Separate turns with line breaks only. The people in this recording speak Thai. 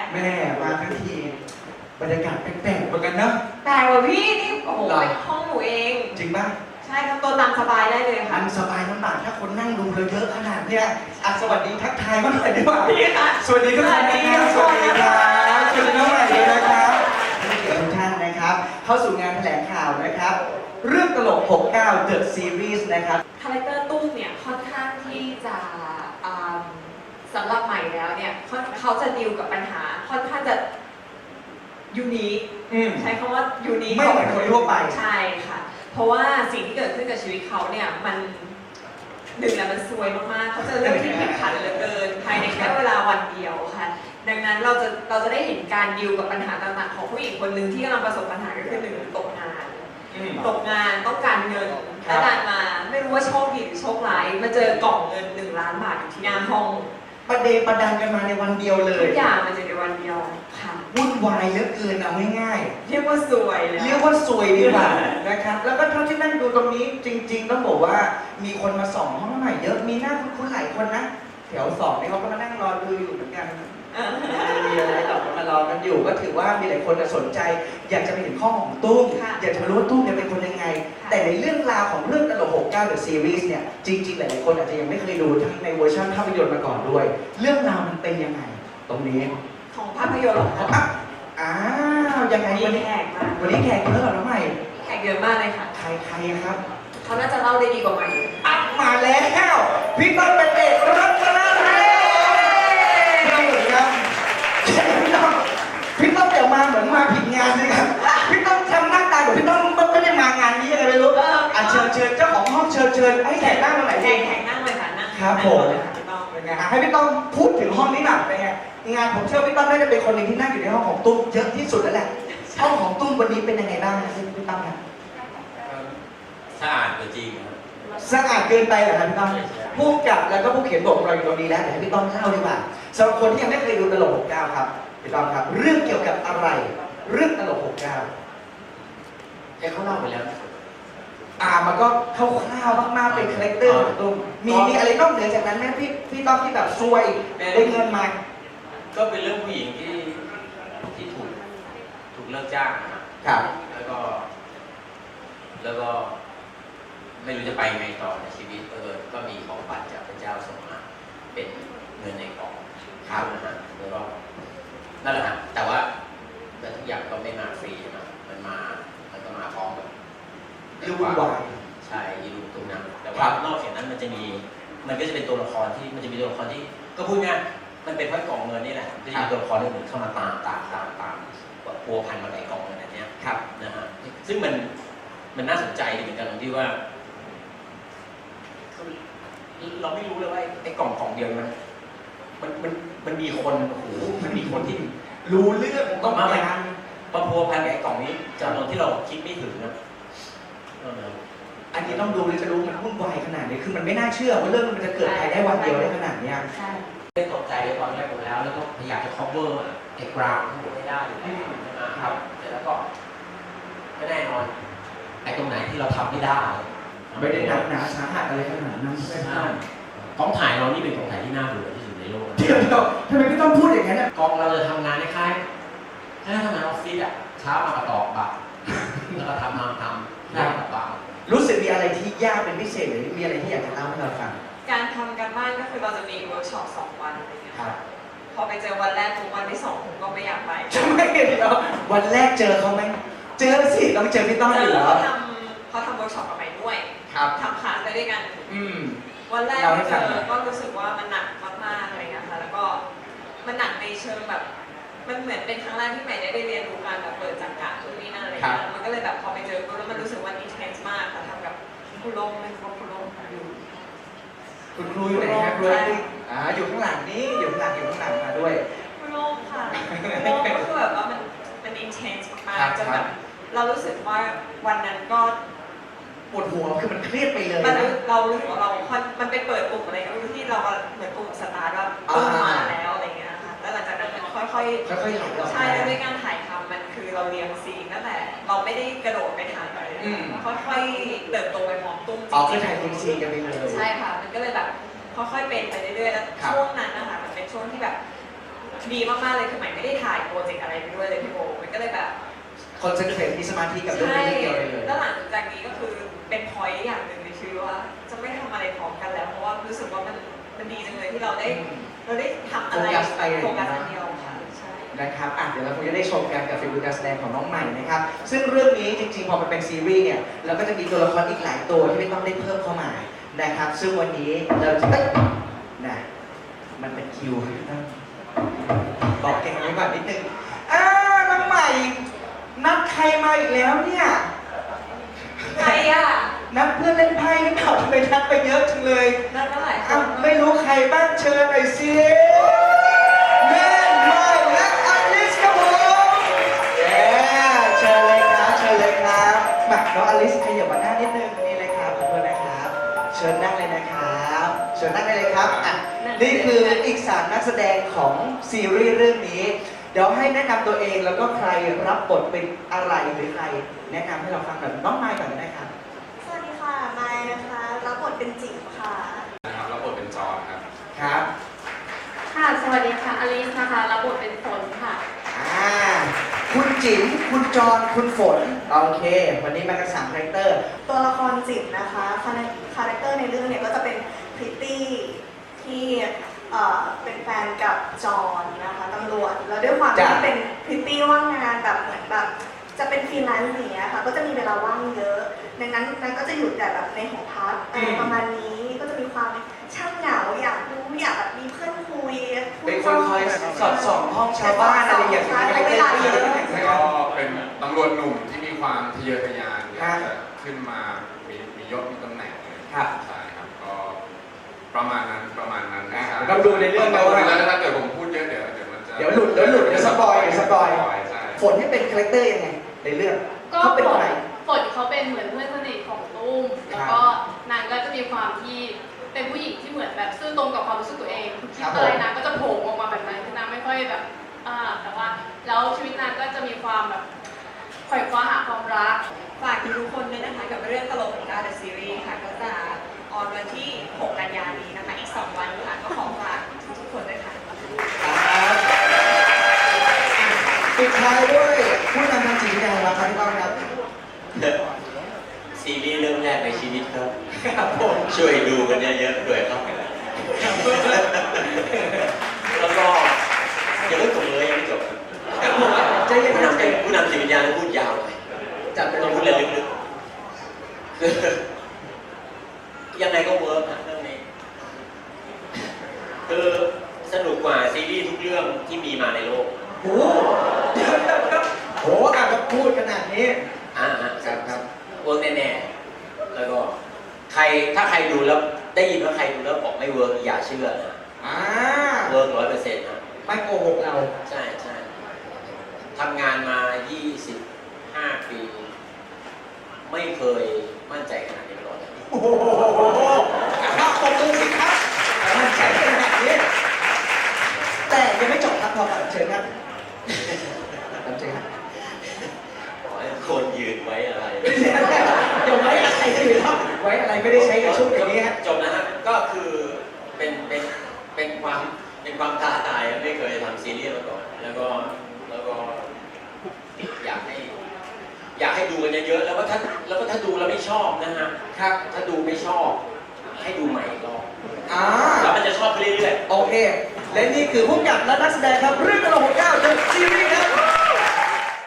แม่มาทั้งทีบรรยากาศแปลกๆเหมือนกันเนอะ
แต่ว่าพี่นี่โอ้โหเป็นห้องหนูเอง
จริงป่ะ
ใช่ครับตัวตามสบายได้เลยค่ะ
มันสบายลำบากถ้าคนนั่งดูเราเยอะขนาดเนี้ยสวัสดีทักทายมาหน่อยดีกว่า
พี่ค่ะ
สวัสดีทุกท่านนะครับสวัสดีครับสวัสดีน้องใหม่เลยนะครับทุกท่านนะครับ เข้าสู่งานแถลงข่าวนะครับ เรื่องตลก 69 The Series นะครับ
คาแรคเตอร์ตุ้มเนี่ยค่อนข้างที่จะสำหรับใหม่แล้วเนี่ยเขาจะดีลกับปัญหาค่อนข้างจะยูนิคใช้คำว่ายูนิค
ไม่เหมือนคนทั่วไป
ใช่ค่ะ เพราะว่าสิ่งที่เกิดขึ้นกับชีวิตเขาเนี่ยมันหนึ่งแล้วมันซวยมากๆเขาเจอเรื่องที่ผิดขันเหลือเกินภายในแค่เวลาวันเดียวค่ะ ดังนั้นเราจะได้เห็นการดีลกับปัญหาต่างๆของผู้หญิงคนหนึ่งที่กำลังประสบปัญหาก็คือหนึ่งตกงานต้องการเงินและดันมาไม่รู้ว่าโชคดีหรือโชคร้ายมาเจอกล่องเงิน1 ล้านบาทอยู่ที่หน้าห้อง
ประเดประดังกันมาในวันเดียวเล
ทุ
ย
กอย่างมันจะในวันเดียวค่ะ
วุ่นวายเหลือเกินเอาง่าย
เรียกว่าสวยเลย
ๆเรียกว่าสวยดีกว่านะครับ แล้วก็เท่าที่นั่งดูตรงนี้จริง ๆ ต้องบอกว่ามีคนมาส่องห้องใหม่เยอะ มีหน้าคุ้นๆหลายคนนะ แถวสองนี่เขาก็มานั่งรอดูอยู่เหมือนกัน มีอะไรต่อมารอกันอยู่ ก็ถือว่ามีหลายคนสนใจ อยากจะไปเห็นข้อของตุ้ม อยากจะรู้ว่าตุ้มเนี่ยเป็นคนยังไง แต่ในเรื่องราวของเรื่องตลก 69 The Series เนี่ย จริงๆ หลายๆคนอาจจะยังไม่เคยดูทั้งในเวอร์ชันภาพยนตร์มาก่อนด้วย เรื่องราวมันเป็นยังไง ตรงนี้
ของภาพยนตร์เหรอคะ
อ้าวยังไง
มี
วันนี้
แขกมา
วันนี้แขกเยอะเหรอน้องใหม่
แขกเยอะมากเลยค่ะ
ใครครับ
เขาน่าจะเล่าได้ดีกว่าใหม่
อัพมาแล้วพี่ต้นเป็นเด็กรัตนเรศพี่ต้นสวัสดีครับพี่ต้นอย่ามาเหมือนมาผิดงานเลยครับพี่ต้นทำหน้าตาเหมือนพี่ต้นไม่ได้มางานนี้ยังไงไม่รู้เชิญเจ้าของห้องเชิญให้แขกนั่งตรงไหน
แข
ดี
กนั่งเลยค่ะนั่ง
ครับผม
เลยค่ะพี่น้อง
เป็นไงให้พี่ต้นพูดถึงห้องนี้หน่อยเป็นไงงานผมเชื่อพี่ต้นน่าจะเป็นคนหนึ่งที่นั่งอยู่ในห้องของตุ้มเยอะที่สุดแล้วแหละห้องของตุ้มวันนี้เป็นยังไงบ้างนะพี่ต้นครับ
สะอาดกว่าจริงครับ
สะอาดเกินไปเหรอครับพี่ต้อมผู้กำกับแล้วก็ผู้เขียนบทเราอยู่ตรงนี้แล้วเดี๋ยวให้พี่ต้อมเล่าดีกว่าสำหรับคนที่ยังไม่เคยดูตลก 69 ครับพี่ต้อมครับ เรื่องเกี่ยวกับอะไร เรื่องตลก 69
แค่เขาเล่าไปแล้วนะ
มันก็คร่าวๆมากๆเป็นคาแรคเตอร์ของตุ้มมีอะไรนอกเหนือจากนั้นไหมพี่ต้อมที่แบบซวยได้เงินมา
ก็เป็นเรื่องผู้หญิงที่ถูกเลิกจ้างนะครับ
ครับ
แล้วก็ไม่รู้จะไปยังไงต่อในชีวิตก็มีของขวัญจากพระเจ้าส่งมาเป็นเงินในกล่องข้าวนะฮะแล้วก็นั่นแหละฮะแต่ว่าทุกอย่างก็ไม่มาฟรีใช่ไหมมันก็มาพร้อมกับ
ยุ่งวาย
ใช่ยีรุงตุงนังแต่ว่านอกจากนั้นมันก็จะเป็นตัวละครที่มันจะมีตัวละครที่ก็พูดง่ายมันเป็นเพราะกล่องเงินนี่แหละจะมีตัวละครอื่นเข้ามาตามพัวพันมาในกล่องเงินอันนี้ครับนะฮะซึ่งมันน่าสนใจเหมือนกันตรงที่ว่าเราไม่รู้เลยว่าไอ้กล่องเดียวมันมีคนโอ้โหมันมีคนที่
รู้เรื่องของต้อง
มา
การ
พัวพันกับไอ้กล่องนี้จำนวนที่เราคิดไม่ถึงนะ
อันนี้ต้องดูเลยจะรู้มันวุ่นวายขนาดนี้คือมันไม่น่าเชื่อว่าเรื่องมันจะเกิดภายในวันเดียวได้ขนาดนี้
ใช่
ได้ตกใจตอนแรกหมดแล้วก็พยายามจะ cover ไอ้กราวทั้งหมดให้ได้ครับเสร็จแล้วก็ไม่แน่นอนไอ้ตรงไหนที่เราทำไม่ได้
ไม่ได้หนักหนาสาหัสอะไรขนาดนั้นใช่ไหม
กองถ่ายเรานี่เป็นกองถ่ายที่น่าเบื่อที่สุดในโลก
เดี๋ยวทำไมพี่ต้องพูดอย่างนั้นอ่ะ
กองเราจะทำงานคล้ายๆทำงานออฟฟิศอ่ะเช้ามากระตอกบัตรแล้วก็ทำได้กลับบ้าน
รู้สึกมีอะไรที่ยากเป็นพิเศษหรือมีอะไรที่อยากจะเล่าให้เราฟัง
การทำการบ้านก็คือเราจะมีเวิร์กช็อป2 วันอะไรเงี้ย
ครับ
พอไปเจอวันแรกทุกวันที่2ผมก็ไม่อยากไป
ทำไมเดี๋ยววันแรกเจอเขาไหมเจอสิต้องเจอพี่ต้อมอยู่แล้ว
เขาทำเวิร์กช็อปกับใหม่ด้วย
ครับ
ทำคลาสไปด้วยกัน วันแรกที่เจอก็รู้สึกว่ามันหนักมากๆอะไรเงี้ยค่ะแล้วก็มันหนักในเชิงแบบมันเหมือนเป็นครั้งแรกที่ใหม่ได้เรียนรู้การแบบเปิดจักระตรงนี้นั่นอะไรเงี้ยมันก็เลยแบบพอไปเจอปุ๊บแล้วมันรู้สึกว่า intense มากค่ะทำกับคุณลงเป็นคุณลงอยู่
คุณครูอยู่ไหนครับครูอยู่ข้างหลังนี่อยู่ข้างหลังมาด้วย
คุณลงค่ะคุณลงก็คือแบบว่ามัน intense มากจนแบบเรารู้สึกว่าวันนั้นก็
ปวดหัวคือมันเครียดไปเลย
มัน
นะ
เรารู้สึกว่ามันไปเปิดปุ่มอะไรก็ไม่รู้ที่เราเหมือนปุ่มสตาร์ทว่าปุ่มมาแล้วอะไรเงี้ยค่ะแล้วหลังจากนั้นมันค่อยๆ
ค่อยๆไหลออก
ใช่แล้วด้วยการถ่ายทำมันคือเราเรียงซีนตั้งแต่เราไม่ได้กระโดดไปถ่ายเลยค่อยๆเติบโตไปพร้อมตุ้ม
คือถ่ายทีมซีกันไปเลย
ใช่ค่ะมันก็เลยแบบค่อยๆเป็นไปเรื่อยๆแล้วช่วงนั้นนะคะมันเป็นช่วงที่แบบดีมากๆเลยคือใหม่ไม่ได้ถ่ายโปรเจกต์อะไรไปด้วยเลยพี่โบมันก็เลยแบบ
คอนเซนเทรตมีสมาธิกับเรื่อง
ใช่
นี้เดียวเลย
แล้วหลังจากนี้ก็คือเป็นพอยต์อย่างหนึ่งในชีวิตว่าจะไม่ทำอะไรพร้อมกันแล้วเพราะว่ารู้สึกว่ามันดีจังเลยที่เราได้ทำอะไรโฟกัสอันเดียวค่ะใช่
นะครับเดี๋ยวเราคงจะได้ชมกันกับฟิลการแสดงของน้องใหม่นะครับ ซึ่งเรื่องนี้จริงๆ พอมันเป็นซีรีส์เนี่ยเราก็จะมีตัวละครอีกหลายตัวที่ไม่ต้องได้เพิ่มเข้ามานะครับ ซึ่งวันนี้เราจะนะมันเป็นคิวบอกเก่งไว้ก่อนนิดนึงน้องใหม่นัดใครมาอีกแล้วเนี่ย
ใครอ่ะ
นัดเพื่อนเล่นไพ่หรือเปล่าทำไมนัดไปเยอะจังเลย
นั่นเมื่อไหร่
ไม่รู้ใครบ้างเชิญหน่อยสิแม่ใหม่และอลิสครับผมเชิญเลยครับเชิญเลยครับมาน้องอลิสขยับมาหน้านิดนึงนี่เลยครับขอบคุณนะครับ เชิญนั่งเลยนะครับเชิญนั่งได้เลยครับนี่คืออีก3นักแสดงของซีรีส์เรื่องนี้ เดี๋ยวให้แนะนำตัวเองแล้วก็ใครรับบทเป็นอะไรหรือใครแนะนำให้เราฟังหน่อยน้องไมค์ก่อนก็ได้ครับ
สวัสดีค่ะมายนะคะ รับบทเป็นจิ๋วค่ะ
นะครับรับบทเป็นจอห์นครับ
ครับ
ค่ะ สวัสดีค่ะ อลิสนะคะ รับบทเป็นฝนค่ะ
คุณจิ๋มคุณจรคุณฝน โอเค วันนี้มากัน3คาแรคเตอร์
ตัวละครจิ๋วนะคะคาแรคเตอร์ในเรื่องเนี่ยก็จะเป็นพริตตี้ที่เป็นแฟนกับจอห์นนะคะตำรวจ แล้วด้วยความที่
จ้ะ
เป็นพริตตี้ว่างงานแบบเหมือนแบบจะเป็นฟรีแลนซ์อย่างเงี้ยค่ะ ก็จะมีเวลาว่างเยอะ ดังนั้นนั้นก็จะอยู่แต่แบบในหอพักอะไรประมาณนี้ ก็จะมีความช่างเหงาอยากรู้อยากแบบมีเพื่อนคุย
เป็นคนคอยสอดส่องห้องชาวบ้านอะไรอย่างเงี้ย
ใช้เวลาเยอะ
ก็เป็นตำรวจหนุ่มที่มีความทะเยอทะยานอยาก
ครั
จะ
บ
ขึ้นมามียศมีตำแหน่ง
ครับ
ใช่ครับก็ประมาณนั้นใช่
เราดูในเรื่องนะว่า
แล้วถ้าเกิดผมพูดเยอะเดี๋ยวมันจะ
เดี๋ยวหลุดเดี๋ยวสปอย
ใช่
ฝนที่เป็นคาแรคเตอร์ยังไงในเรื่อง
ก็
เขาเป็น
ฝ
ใคร
นฝนเขาเป็นเหมือนเพื่อนสนิทของตุ้ม แล้วก็นางก็จะมีความที่เป็นผู้หญิงที่เหมือนแบบซื่อตรงกับความรู้สึกตัวเองคิดอะไรนางก็จะโผล่ออกมาแบบนั้นคือนางไม่ค่อยแบบแต่ว่าแล้วชีวิตนางก็จะมีความแบบไขว่คว้าหาความรัก
ฝากทุกคนด้วยนะคะกับเรื่องตลกของดาวเดอะซีรีส์ค่ะก็จะออนวันที่ 6 กันยายนนี้นะคะอีก 2 วันค่ะก็ขอฝากทุกคนด้วยค่ะ
ปิดท้ายด้วยผู้นำทางจิตวิทยาของเราครับพี่ก้องครับ
ซีรีส์เรื่องแรกในชีวิตครับ
ครับผม
ช่วยดูกันเยอะๆด้วยครับ แล้วก็ยังไม่จบเลยยังไม่จบ
ใจเย็น
ผู้
นะ
นำ
ใจ
เป็นผู้นำจิตวิญญาณแล้วพูดยาวหน่อย
จัดไป
ต้องพูด
เล
เรื่อย งลึกๆคือยังไงก็เวิร์กฮะเรื่องนี้คือสนุกกว่าซีรีส์ทุกเรื่องที่มีมาในโลก
โอ้โหเดี๋ยวโอ้โหอ่ะแล้วพูดขนาดนี้
ครับเวิร์กแน่ๆแล้วก็ถ้าใครดูแล้วได้ยินว่าใครดูแล้วบอกไม่เวิร์กอย่าเชื่อนะ เวิร์ก100%นะ
ไม่โกหกเรา
ใช่ทำงานมา 25 ปี ไม่เคยมั่นใจขนาดนี้มาก่อนเลย
โอ้โหครับขอบคุณสิครับมั่นใจขนาดนี้แต่ยังไม่จบครับพอก่อนเชิญครับเชิญครับ
ขอให้คนยืนไว้อะไร
เดี๋ยวไว้อะไรจะอยู่ครับไว้อะไรไม่ได้ใช้ในช่วงอย่างนี้ฮะ
จบนะฮะก็คือเป็นความท้าทายไม่เคยทำซีรีส์มาก่อน แล้วก็อยากให้ดูกันเยอะๆแล้วก็ถ้าดูแล้วไม่ชอบนะฮะ
ครับ
ถ้าดูไม่ชอบให้ดูใหม่อีกรอบ
อ่า
แล้วมันจะชอบไปเรื่อยๆ
โอเค และนี่คือผู้กำกับและนักแสดงครับเรื่อง